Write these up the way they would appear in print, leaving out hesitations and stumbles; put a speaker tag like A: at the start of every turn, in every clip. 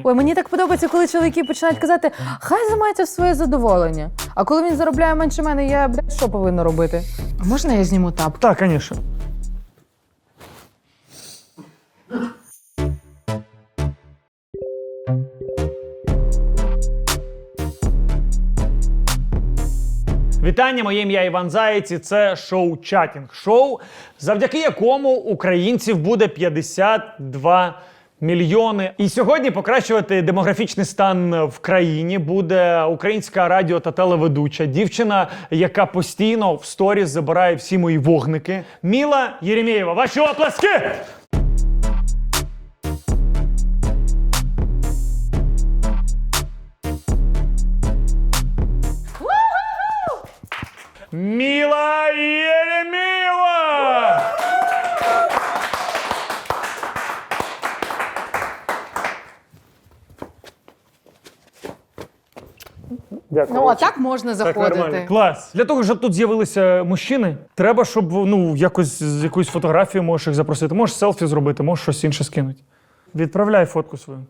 A: Ой, мені так подобається, коли чоловіки починають казати, хай займається в своє задоволення. А коли він заробляє менше мене, я, блядь, що повинна робити? А можна я зніму тапки?
B: Так, звісно. Вітання, моє ім'я Іван Заєць, і це шоу «Чатінг». Шоу, завдяки якому українців буде 52 мільйони. І сьогодні покращувати демографічний стан в країні буде українська радіо та телеведуча, дівчина, яка постійно в сторіс забирає всі мої вогники. Міла Єремєєва. Ваші оплески! Міла Єремєєва! Дякую.
A: Ну, а так можна заходити.
B: Клас. Для того, щоб тут з'явилися мужчини, треба, щоб якось з якоюсь фотографією можеш їх запросити. Можеш селфі зробити, можеш щось інше скинути. Відправляй фотку свою.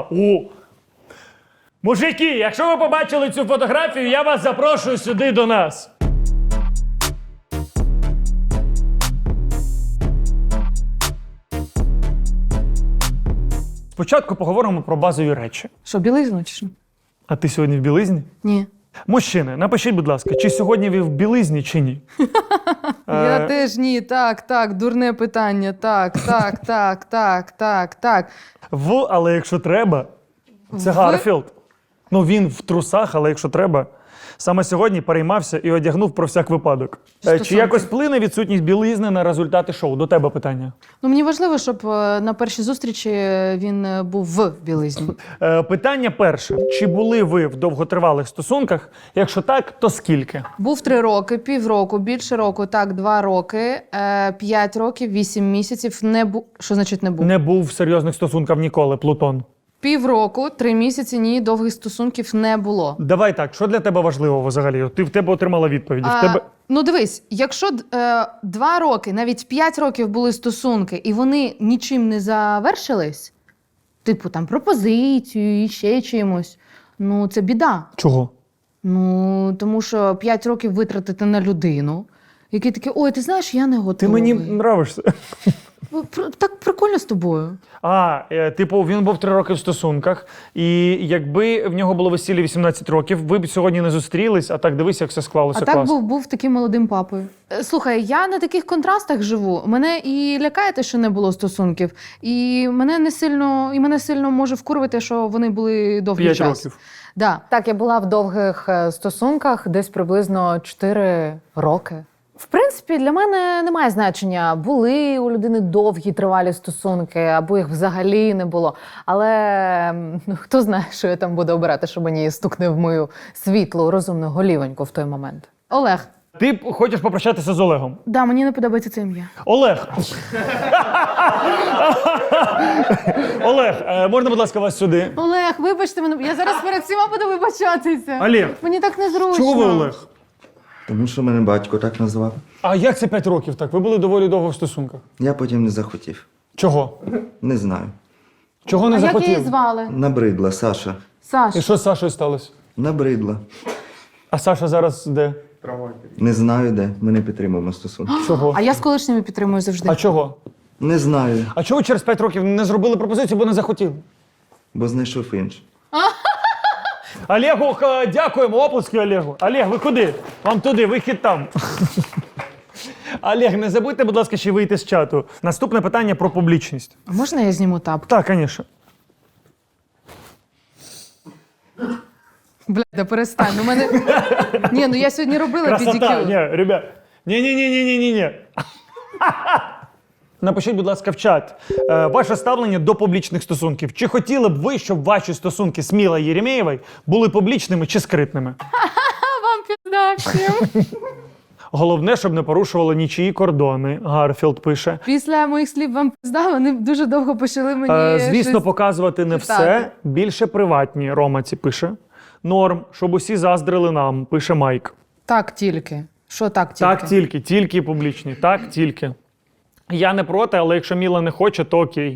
B: Мужики, якщо ви побачили цю фотографію, я вас запрошую сюди до нас. Спочатку поговоримо про базові речі.
A: Що, білизну чи що?
B: А ти сьогодні в білизні?
A: Ні.
B: Мужчини, напишіть, будь ласка, чи сьогодні ви в білизні, чи ні?
A: Я теж ні, так, дурне питання, так.
B: Але якщо треба, це Гарфілд. Ну, він в трусах, але якщо треба. Саме сьогодні переймався і одягнув про всяк випадок. Чи якось вплине відсутність білизни на результати шоу? До тебе питання.
A: Ну, мені важливо, щоб на першій зустрічі він був в білизні.
B: Питання перше. Чи були ви в довготривалих стосунках? Якщо так, то скільки?
A: Був 3 роки, півроку, більше року, так, 2 роки, 5 років, 8 місяців. Не був. Що значить не був?
B: Не був в серйозних стосунках ніколи, Плутон.
A: Півроку, 3 місяці, ні, довгих стосунків не було.
B: Давай так, що для тебе важливо взагалі? Ти в тебе отримала відповіді.
A: Ну дивись, якщо 2 роки, навіть 5 років були стосунки, і вони нічим не завершились, типу там пропозицією і ще чимось, ну це біда.
B: Чого?
A: Ну, тому що 5 років витратити на людину, який такий, ой, ти знаєш, я не готовий.
B: Ти мені нравишся.
A: Так прикольно з тобою.
B: Типу, він був 3 роки в стосунках, і якби в нього було весілля 18 років, ви б сьогодні не зустрілись, а так дивись, як все склалося.
A: А так був таким молодим папою. Слухай, я на таких контрастах живу. Мене і лякає те, що не було стосунків, і мене сильно може вкурвити, що вони були довгий
B: 5
A: час.
B: років.
A: Да.
C: Так, я була в довгих стосунках десь приблизно 4 роки. В принципі, для мене немає значення, були у людини довгі, тривалі стосунки, або їх взагалі не було. Але хто знає, що я там буду обирати, щоб мені стукне в мою світлу, розумну голівоньку в той момент.
A: Олег.
B: Ти хочеш попрощатися з Олегом?
A: Да, мені не подобається це ім'я.
B: Олег! Олег, можна, будь ласка, вас сюди?
A: Олег, вибачте мене, я зараз перед всіма буду вибачатися.
B: Олег.
A: Мені так незручно.
B: Чого ви, Олег?
D: Тому що мене батько так назвав.
B: А як це 5 років так? Ви були доволі довго в стосунках.
D: Я потім не захотів.
B: Чого?
D: Не знаю.
B: Чого не
A: А як
B: захотів?
A: її звали?
D: Набридла Саша.
A: Саш.
B: І що з Сашою сталося?
D: Набридла.
B: А Саша зараз де?
D: Не знаю де. Ми не підтримуємо стосунки.
B: Чого?
A: А я з колишніми підтримую завжди.
B: А чого?
D: Не знаю,
B: А чого через 5 років не зробили пропозицію, бо не захотіли?
D: бо знайшов інший.
B: Олегу, дякуємо, оплески Олегу. Олег, ви куди? Вам туди, вихід там. Олег, не забудьте, будь ласка, ще вийти з чату. Наступне питання про публічність.
A: А можна я зніму тапки?
B: Так, звісно.
A: Бля, да перестань. Ну мене... Ні, ну я сьогодні робила
B: Красота.
A: педикюр.
B: Ні, ребят. Ні. Напишіть, будь ласка, в чат ваше ставлення до публічних стосунків. Чи хотіли б ви, щоб ваші стосунки з Мілою Єремєєвою були публічними чи скритними?
A: Вам пізда всім.
B: Головне, щоб не порушували нічиї кордони, Гарфілд пише.
A: Після моїх слів вам пізда, вони дуже довго почали мені
B: Звісно,
A: щось...
B: показувати не
A: читати.
B: все, більше приватні, Ромаці пише. Норм, щоб усі заздрили нам, пише Майк.
A: Так тільки. Що так тільки?
B: Так тільки публічні, так тільки. Я не проти, але якщо Міла не хоче, то окей.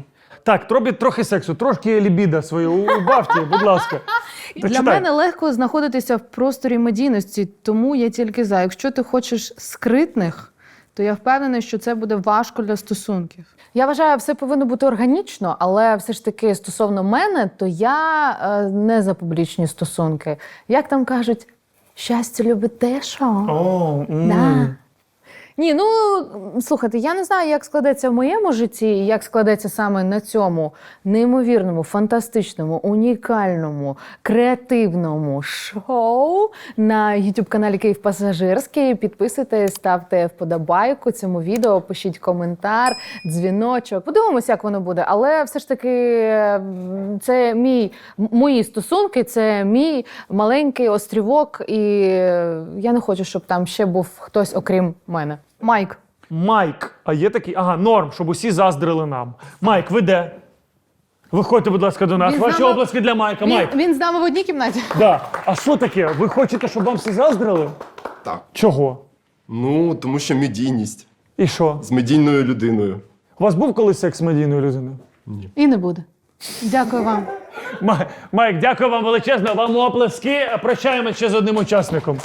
B: Так, робіть трохи сексу, трошки лібіда свою убавте, будь ласка. Та
A: Для
B: читай.
A: мене легко знаходитися в просторі медійності, тому я тільки за. Якщо ти хочеш скритних, то я впевнена, що це буде важко для стосунків.
C: Я вважаю, все повинно бути органічно, але все ж таки стосовно мене, то я не за публічні стосунки. Як там кажуть, щастя любить те, що.
B: О,
C: Да. Ні, ну слухайте, я не знаю, як складеться в моєму житті, і як складеться саме на цьому неймовірному, фантастичному, унікальному, креативному шоу на YouTube-каналі Київ Пасажирський. Підписуйтесь, ставте вподобайку цьому відео, пишіть коментар, дзвіночок. Подивимося, як воно буде. Але все ж таки це мої стосунки, це мій маленький острівок, і я не хочу, щоб там ще був хтось окрім мене.
A: Майк,
B: Майк, а є такий, ага, норм, щоб усі заздрили нам. Майк, ви де? Виходьте, будь ласка, до нас.
A: Він з
B: Ваші
A: нами-
B: оплески для Майка. Майк.
A: він з нами в одній кімнаті.
B: Да. А що таке? Ви хочете, щоб вам всі заздрили?
E: Так.
B: Чого?
E: Ну, тому що медійність.
B: І що?
E: З медійною людиною.
B: У вас був колись секс з медійною людиною?
A: І не буде. Дякую вам.
B: Майк, дякую вам величезно. Вам оплески. Прощаємо ще з одним учасником.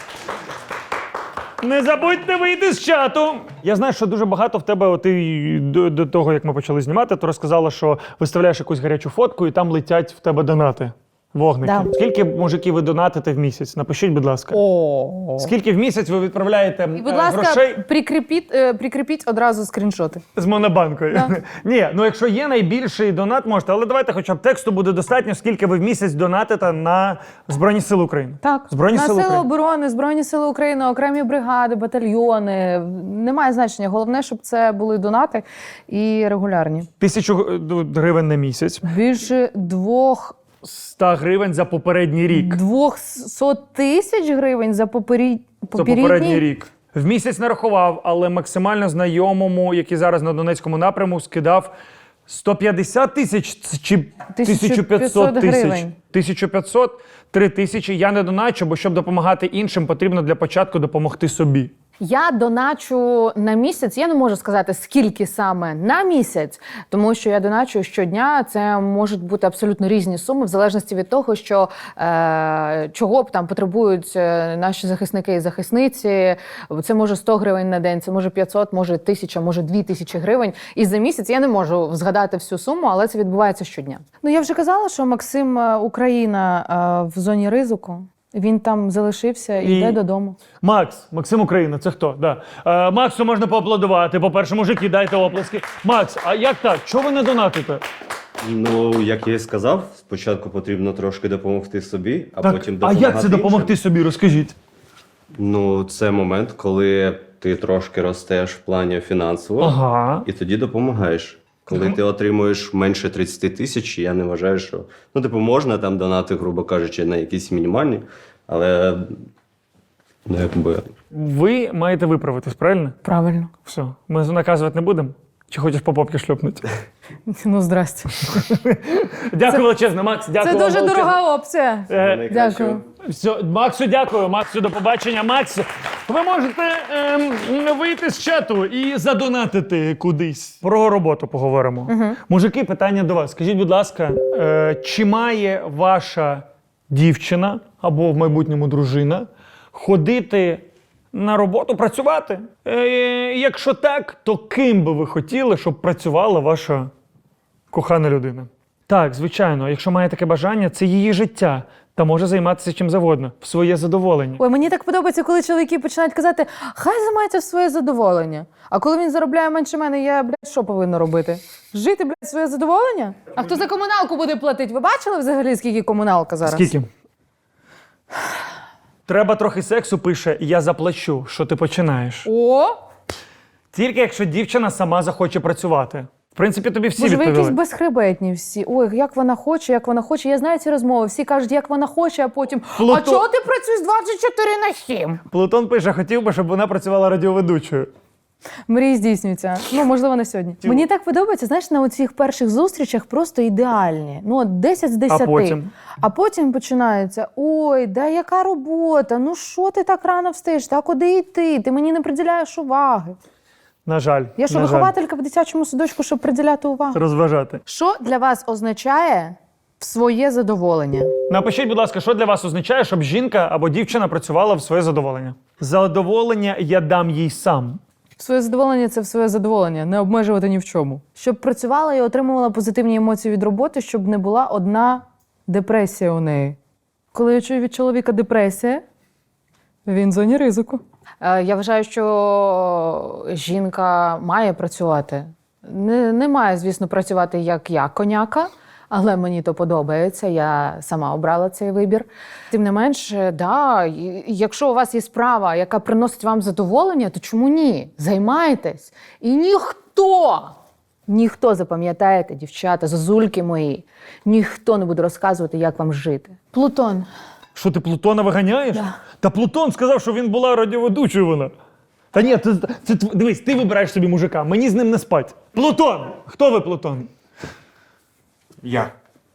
B: Не забудьте вийти з чату. Я знаю, що дуже багато в тебе, ти до того, як ми почали знімати, ти розказала, що виставляєш якусь гарячу фотку і там летять в тебе донати. Вогники.
C: Да.
B: Скільки, мужики, ви донатите в місяць? Напишіть, будь ласка. Скільки в місяць ви відправляєте
A: І, будь ласка,
B: грошей
A: прикріпіть одразу скріншоти.
B: з монобанкою? Ні, ну якщо є найбільший донат, можете. Але давайте хоча б тексту буде достатньо, скільки ви в місяць донатите на Збройні Сили України.
C: Так,
B: Збройні
C: на
B: Сили
C: Сили
B: України.
C: оборони, Збройні Сили України, окремі бригади, батальйони. Немає значення. Головне, щоб це були донати і регулярні.
B: 1000 гривень на місяць.
C: Більше
B: 100 гривень за попередній рік.
C: 200 тисяч гривень за
B: За попередній рік. В місяць нарахував, але максимально знайомому, який зараз на Донецькому напряму, скидав 150 тисяч чи 1500 тисяч.
C: гривень.
B: 1500, 3000. Я не доначу, бо щоб допомагати іншим, потрібно для початку допомогти собі.
C: Я доначу на місяць. Я не можу сказати, скільки саме на місяць, тому що я доначу щодня. Це можуть бути абсолютно різні суми, в залежності від того, що чого б там потребують наші захисники і захисниці. Це може 100 гривень на день, це може 500, може 1000, може 2000 гривень. І за місяць я не можу згадати всю суму, але це відбувається щодня. Ну я вже казала, що Максим Україна в зоні ризику. Він там залишився і йде додому.
B: Максим Україна, це хто? Да. Максу можна поаплодувати. По-перше, мужики, дайте оплески. Макс, а як так? Чого ви не донатите?
F: Ну, як я і сказав, спочатку потрібно трошки допомогти собі, а
B: Так,
F: потім
B: а
F: допомагати
B: як це допомогти
F: іншим.
B: собі? Розкажіть.
F: Ну, це момент, коли ти трошки ростеш в плані фінансово,
B: Ага.
F: і тоді допомагаєш. Коли ти отримуєш менше 30 тисяч, я не вважаю, що... Ну, типу, можна там донати, грубо кажучи, на якісь мінімальні, але... Ну, якби...
B: Ви маєте виправитись, правильно?
C: Правильно.
B: Все. Ми наказувати не будемо? Чи хочеш по попки шльопнути?
C: Ну, здрасте.
B: Дякую величезно, Макс. Дякую
C: Це
B: вам
C: дуже
B: величезно.
C: дорога опція. Дякую.
B: Все, Максу дякую. Максу, до побачення. Макс, ви можете вийти з чату і задонатити кудись. Про роботу поговоримо. Мужики, питання до вас. Скажіть, будь ласка, чи має ваша дівчина або в майбутньому дружина ходити на роботу, працювати? Якщо так, то ким би ви хотіли, щоб працювала ваша кохана людина? Так, звичайно, якщо має таке бажання, це її життя. Та може займатися чим завгодно, в своє задоволення.
C: Ой, мені так подобається, коли чоловіки починають казати, хай займається в своє задоволення. А коли він заробляє менше мене, я, що повинна робити? Жити, в своє задоволення? А хто за комуналку буде платити? Ви бачили взагалі, скільки комуналка зараз?
B: Скільки? Треба трохи сексу, пише, я заплачу, що ти починаєш.
C: О!
B: Тільки якщо дівчина сама захоче працювати. В принципі, тобі всі
C: Боже, ви
B: відповіли.
C: якісь безхребетні всі. Ой, як вона хоче, як вона хоче. Я знаю ці розмови. Всі кажуть, як вона хоче, а потім, а чого ти працюєш 24/7?
B: Плутон пише, хотів би, щоб вона працювала радіоведучою.
C: Мрії здійснюються. Ну, можливо, не сьогодні. Мені так подобається, знаєш, на оцих перших зустрічах просто ідеальні. Ну, от 10 з 10. А потім починається, ой, да яка робота, ну що ти так рано встаєш, та куди йти, ти мені не приділяєш уваги.
B: На жаль.
C: Я що,
B: на жаль.
C: вихователька в дитячому садочку, щоб приділяти увагу?
B: Розважати.
C: Що для вас означає своє задоволення?
B: Напишіть, будь ласка, що для вас означає, щоб жінка або дівчина працювала в своє задоволення? Задоволення я дам їй сам.
C: Своє задоволення – це в своє задоволення, не обмежувати ні в чому. Щоб працювала і отримувала позитивні емоції від роботи, щоб не була одна депресія у неї. Коли я чую від чоловіка депресія, він в зоні ризику. Я вважаю, що жінка має працювати. Не має, звісно, працювати як я, коняка, але мені то подобається, я сама обрала цей вибір. Тим не менш, да, якщо у вас є справа, яка приносить вам задоволення, то чому ні? Займайтесь. І ніхто, запам'ятаєте, дівчата, зозульки мої, ніхто не буде розказувати, як вам жити. Плутон.
B: Що ти Плутона виганяєш?
C: Да.
B: Та Плутон сказав, що він була радіоведучою вона. Та ні, дивись, ти вибираєш собі мужика, мені з ним не спать. Плутон! Хто ви, Плутон?
G: Я.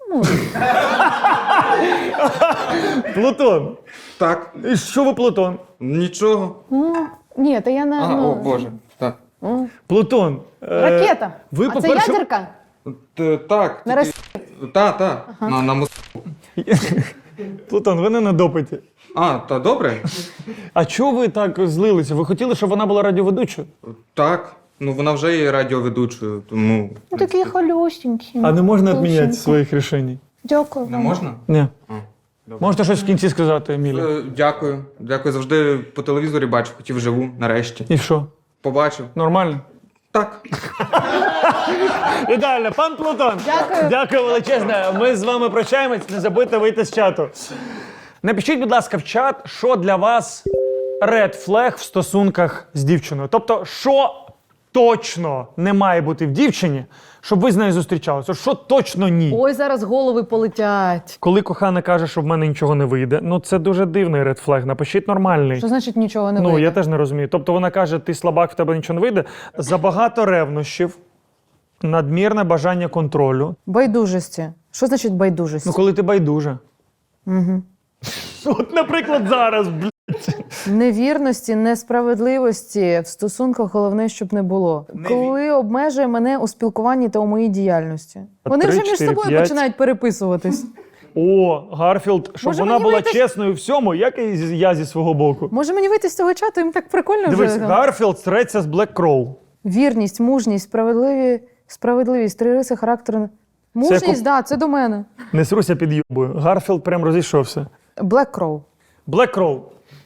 B: Плутон.
G: Так.
B: І що ви, Плутон?
G: Нічого.
C: Ні, то я не...
G: О Боже. Так.
B: Плутон.
C: Ракета.
B: Ви,
C: А це
B: по-перше,
C: ядерка?
G: Так.
C: На
G: Та. На
B: Плутон, ви не на допиті.
G: та добре?
B: А чого ви так злилися? Ви хотіли, щоб вона була радіоведучою?
G: Так. Ну вона вже є радіоведучою, тому.
C: Ну, такий холюсінький.
B: А не можна
C: Душенька.
B: відміняти своїх рішень?
C: Дякую
G: Не
C: вам.
G: можна?
B: Ні.
G: Добре.
B: Можете щось в кінці сказати, Емілі?
G: Дякую. Дякую. Завжди по телевізорі бачив, хотів живу, нарешті.
B: І що?
G: Побачив.
B: Нормально?
G: Так.
B: Ідеально, пан Плутон.
C: Дякую.
B: Дякую величезне. Ми з вами прощаємось. Не забудьте вийти з чату. Напишіть, будь ласка, в чат, що для вас red flag в стосунках з дівчиною. Тобто, що точно не має бути в дівчині, щоб ви з нею зустрічалися. Що точно ні.
C: Ой, зараз голови полетять.
B: Коли кохана каже, що в мене нічого не вийде, ну це дуже дивний red flag. Напишіть нормальний.
C: Що значить нічого не
B: Ну,
C: вийде?
B: я теж не розумію. Тобто вона каже, ти слабак, в тебе нічого не вийде. Забагато ревнощів, надмірне бажання контролю.
C: Байдужості. Що значить байдужість?
B: Ну, коли ти байдужа.
C: Угу.
B: От, наприклад, зараз, блядь.
C: Невірності, несправедливості в стосунках головне, щоб не було. Коли обмежує мене у спілкуванні та у моїй діяльності. Вони вже
B: 3,
C: між
B: 4,
C: собою
B: 5.
C: починають переписуватись.
B: О, Гарфілд, щоб
C: Може,
B: вона
C: мені
B: була
C: вийти-
B: чесною в всьому, як і я зі свого боку.
C: Може мені вийти з цього чату, їм так прикольно
B: Дивись,
C: вже.
B: Гарфілд стреться з Блек Кроу.
C: Вірність, мужність, справедливість, 3 риси характеру. Мужність, так, це до мене.
B: Не сруся під юбою. Гарфілд прям розійшовся.
C: Black Crow.
B: Блек Кроу.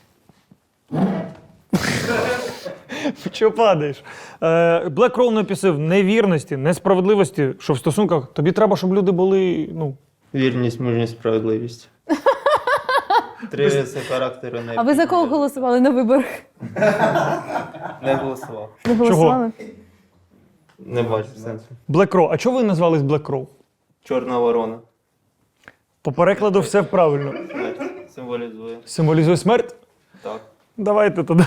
B: Чого падаєш? Блек Кроу написав невірності, несправедливості, що в стосунках тобі треба, щоб люди були, ну,
F: Вірність, мужність, справедливість. 3 риси характеру не.
C: А ви за кого голосували на виборах?
F: Не голосував.
C: Не голосували?
F: Не бачу сенсу.
B: Блек Кроу. А чого ви назвались Блек Кроу?
F: Чорна ворона.
B: По перекладу все правильно.
F: Смерть символізує.
B: Символізує смерть?
F: Так.
B: Давайте тоді.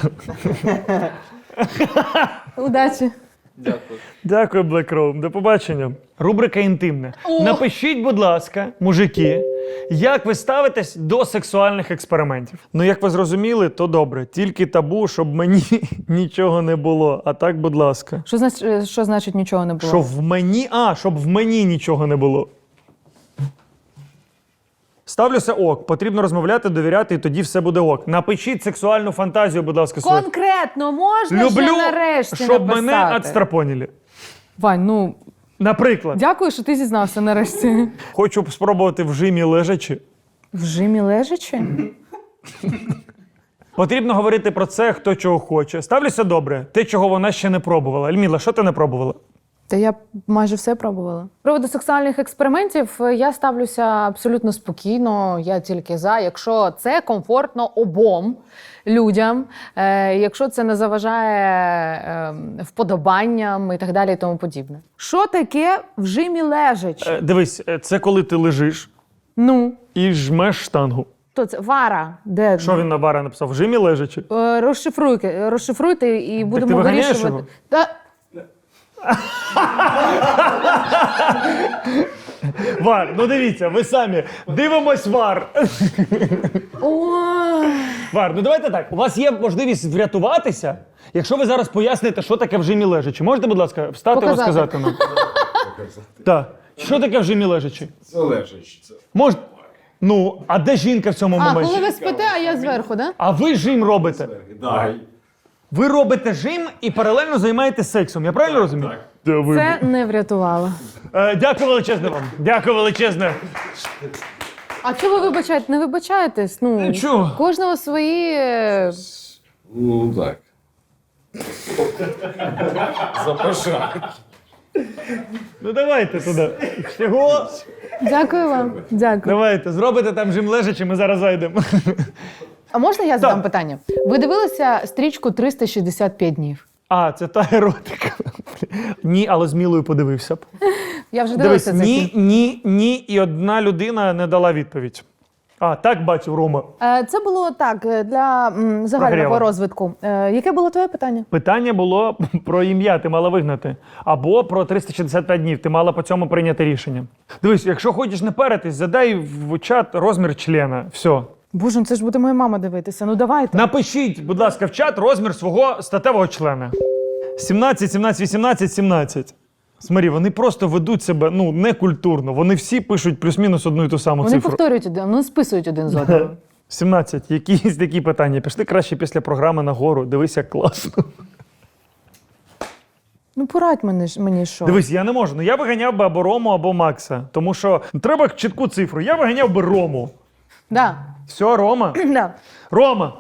C: Удачі.
F: Дякую.
B: Дякую, Black Room. До побачення. Рубрика інтимне. Напишіть, будь ласка, мужики, як ви ставитесь до сексуальних експериментів. Ну, як ви зрозуміли, то добре. Тільки табу, щоб мені нічого не було. А так, будь ласка.
C: Що значить нічого не було?
B: Щоб в мені нічого не було. Ставлюся ок. Потрібно розмовляти, довіряти, і тоді все буде ок. Напишіть сексуальну фантазію, будь ласка, свою.
C: Конкретно можна
B: Люблю,
C: ще нарешті
B: щоб
C: написати?
B: мене отстрапоніли.
C: Вань, ну,
B: Наприклад,
C: дякую, що ти зізнався нарешті.
B: хочу спробувати в жимі лежачи.
C: В жимі лежачи?
B: Потрібно говорити про це, хто чого хоче. Ставлюся добре. Те, чого вона ще не пробувала. Ельміла, що ти не пробувала?
C: Та я майже все пробувала. З приводу сексуальних експериментів я ставлюся абсолютно спокійно, я тільки за, якщо це комфортно обом людям, якщо це не заважає вподобанням і так далі і тому подібне. Що таке в жимі лежач?
B: Дивись, це коли ти лежиш
C: Ну,
B: і жмеш штангу.
C: то це вара, де
B: Що він на бара написав? В жимі лежачи?
C: розшифруйте і будемо
B: ти виганяєш
C: вирішувати.
B: його?
C: Та...
B: Вар, ну дивіться, ви самі. Дивимось вар. Вар, ну давайте так. У вас є можливість врятуватися, якщо ви зараз поясните, що таке в жимі лежачи. Можете, будь ласка, встати і
C: Показати.
B: розказати нам? Так. Що таке в жимі лежачи?
E: Це лежачи.
B: Мож... Ну, а де жінка в цьому
A: А,
B: моменті?
A: коли ви спите, а я зверху, да?
B: А ви жим робите.
E: Дай.
B: Ви робите жим і паралельно займаєтесь сексом. Я правильно розумію?
C: Це не врятувало.
B: Дякую величезне вам. Дякую величезне.
C: А чого ви вибачаєте? Не вибачаєтесь? Ну,
B: Чого?
C: кожного свої.
E: Ну, так.
B: Ну давайте туди. Всього.
C: Дякую вам. Дякую.
B: Давайте, зробите там жим лежачи, ми зараз зайдемо.
A: А можна я задам
B: Так.
A: питання? Ви дивилися стрічку 365 днів?
B: А, це та еротика. Ні, але з Мілою подивився б.
A: Я вже
B: Дивись,
A: дивилася цей фільм.
B: ні, і одна людина не дала відповідь. А, так бачив, Рома.
A: Це було так для загального
B: Прогріву.
A: розвитку. Яке було твоє питання?
B: Питання було про ім'я, ти мала вигнати. Або про 365 днів, ти мала по цьому прийняти рішення. Дивись, якщо хочеш не перетись, задай в чат розмір члена. Все.
A: Боже, ну це ж буде моя мама дивитися. Ну давайте.
B: Напишіть, будь ласка, в чат розмір свого статевого члена. 17, 17, 18, 17. Смотри, вони просто ведуть себе некультурно. Вони всі пишуть плюс-мінус одну і ту саму
A: Вони
B: цифру.
A: повторюють один, вони списують один з одного.
B: 17. Якісь такі питання. Пішли краще після програми нагору. Дивись, як класно.
A: Ну порадь мені що.
B: Дивись, я не можу. Ну я виганяв би або Рому, або Макса. Тому що треба чітку цифру. Я виганяв би Рому.
A: Да.
B: Все, Рома.
A: Да.
B: Рома.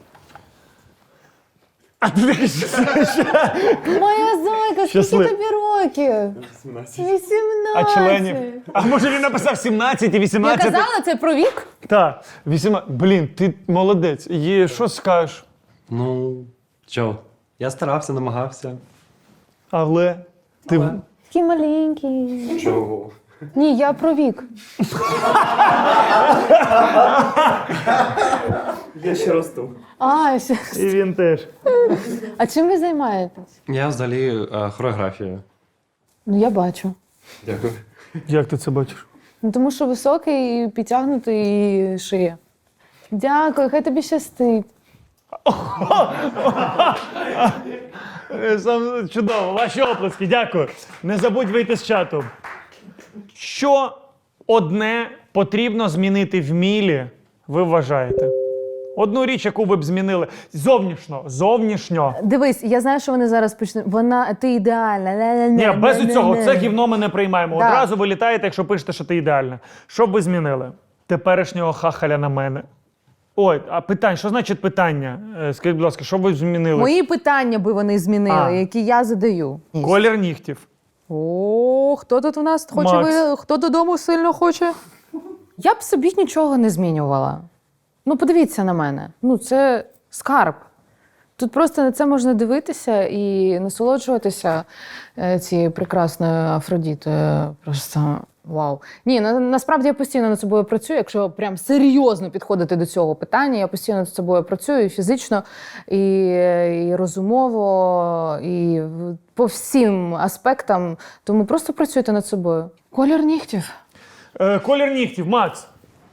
B: А ти такий,
A: Моя зайка, скільки
B: Щаслив.
A: тобі років? 18.
B: а членів? А може він написав 17 і
A: Я
B: 18?
A: казала це про вік?
B: Так, 18. Блін, ти молодець. І що скажеш?
H: Ну, чо? Я старався, намагався.
B: Але ти
A: Такий маленький.
E: Чого?
A: Ні, я про вік.
H: Я ще росту.
B: і він теж.
A: А чим ви займаєтесь?
H: Я взагалі хореографію.
A: Ну я бачу.
E: Дякую.
B: Як ти це бачиш?
A: Ну тому що високий, підтягнутий і шиє. Дякую, хай тобі щастить.
B: Сам чудово. Ваші оплески, дякую. Не забудь вийти з чату. Що одне потрібно змінити в Мілі, ви вважаєте? Одну річ, яку ви б змінили. Зовнішньо.
A: Дивись, я знаю, що вони зараз почнуть. Ти ідеальна.
B: Ні, без цього. Це гівно ми не приймаємо.
A: Да.
B: Одразу ви літаєте, якщо пишете, що ти ідеальна. Що б ви змінили? Теперішнього хахаля на мене. Ой, а питання, що значить питання? Скажіть, будь ласка, що б ви змінили?
A: Мої питання би вони змінили,
B: А.
A: які я задаю.
B: Колір нігтів.
A: О, хто тут у нас хоче
B: Макс.
A: хто додому сильно хоче? Я б собі нічого не змінювала. Ну, подивіться на мене. Ну, це скарб. Тут просто на це можна дивитися і насолоджуватися цією прекрасною Афродітою. Просто вау. Ні, насправді я постійно над собою працюю. Якщо прям серйозно підходити до цього питання, я постійно над собою працюю і фізично, і розумово, і по всім аспектам. Тому просто працюйте над собою. Колір нігтів.
B: Колір нігтів, Макс.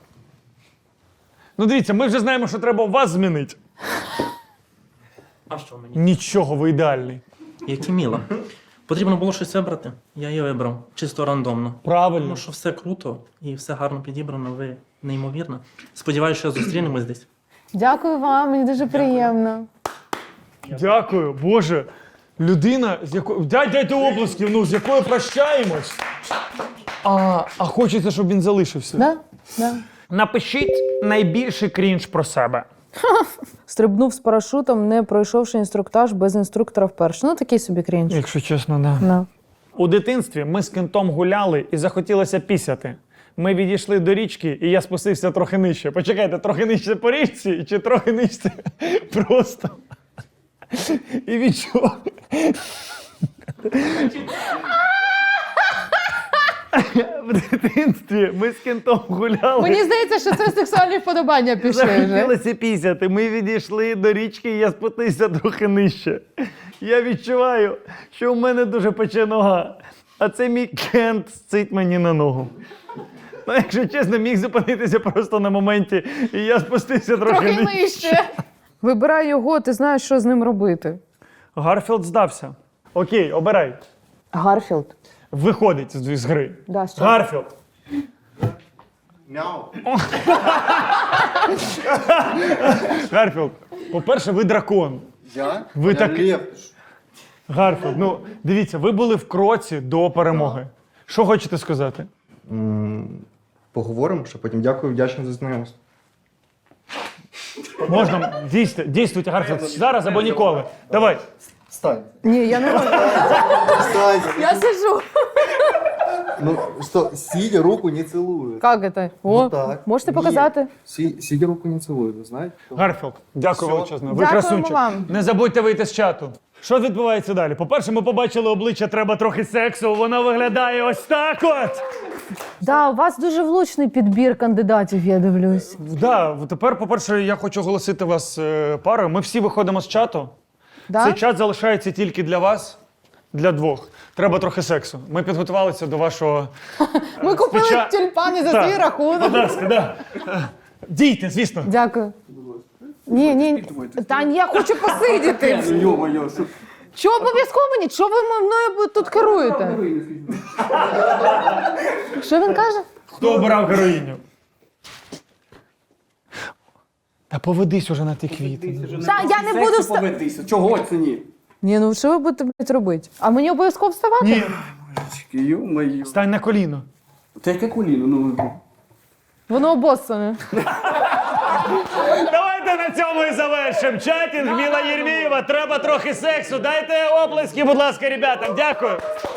B: Ну дивіться, ми вже знаємо, що треба у вас змінити.
I: А що мені?
B: Нічого, ви ідеальний.
I: Як і Міла. Потрібно було щось вибрати. Я її вибрав. Чисто рандомно.
B: Правильно.
I: Тому що все круто і все гарно підібрано, ви неймовірно. Сподіваюся, що зустрінемось десь.
A: Дякую вам, мені дуже приємно.
B: Дякую, Боже. Людина, з якою. Дайте оплесків, ну, з якою прощаємось. А хочеться, щоб він залишився.
A: Да? Да.
B: Напишіть найбільший крінж про себе.
A: Стрибнув з парашутом, не пройшовши інструктаж без інструктора вперше. Ну, такий собі крінж.
B: Якщо чесно, да.
A: Да.
B: У дитинстві ми з кентом гуляли і захотілося пісяти. Ми відійшли до річки, і я спустився трохи нижче. Почекайте, трохи нижче по річці чи трохи нижче просто. І відчув. В дитинстві ми з кентом гуляли.
A: Мені здається, що це сексуальні вподобання пішли вже.
B: Захотілося пісяти. Ми відійшли до річки, і я спустився трохи нижче. Я відчуваю, що в мене дуже пече нога, а це мій кент сцить мені на ногу. Ну, якщо чесно, міг зупинитися просто на моменті, і я спустився трохи нижче.
C: Вибирай його, ти знаєш, що з ним робити.
B: Гарфілд здався. Окей, обирай.
C: Гарфілд.
B: Виходить з гри.
C: Да, що?
B: Гарфілд. Гарфілд, по-перше, ви дракон.
J: Я?
B: Ви
J: Я
B: так-
J: лев.
B: Гарфілд, ну дивіться, ви були в кроці до перемоги. Що хочете сказати?
G: Поговоримо, що потім дякую, вдячний за знайомство.
B: Можна дійствуйте, Гарфілд, зараз або ніколи. Давай.
J: Встань.
C: Ні, я не можу.
J: Встань.
C: Я сижу.
J: Ну что, сидя руку не целуют.
C: Як це? О,
J: Ну так.
C: можете
J: Ні.
C: показати?
J: Сидя руку не целуют, вы знаете?
B: Гарфілд, дякую
J: Всьо.
B: величезно. Ви
C: Дякуємо
B: красунчик.
C: вам.
B: Не забудьте вийти з чату. Що відбувається далі? По-перше, ми побачили обличчя, треба трохи сексу. Воно виглядає ось так от.
C: Да, у вас дуже влучний підбір кандидатів, я дивлюсь.
B: Да, тепер, по-перше, я хочу оголосити вас парою. Ми всі виходимо з чату.
C: Да?
B: Цей чат залишається тільки для вас, для двох. Треба трохи сексу. Ми підготувалися до вашого.
C: Ми купили
B: споча-
C: тюльпани за
B: Так.
C: свій рахунок.
B: Будь ласка, да. Дійте, звісно.
C: Дякую. Ні, Тань, я хочу посидіти.
J: Ё-моё, что...
C: Чого обов'язково мені? Чого ви мною тут керуєте? Що він каже?
B: Хто обирав героїню? Та поведись уже на ті квіти.
C: Та я не буду вставати.
J: Поведися. Чого це ні?
C: Ні, ну що ви будете, блядь, робити? А мені обов'язково вставати?
B: Ні,
J: Ё-моё.
B: стань на коліно.
J: Та яке коліно, ну...
C: Воно обоссане.
B: Давайте на цьому і завершимо. Чатінг Міла Єрмієва. Треба трохи сексу. Дайте оплески, будь ласка, ребятам. Дякую.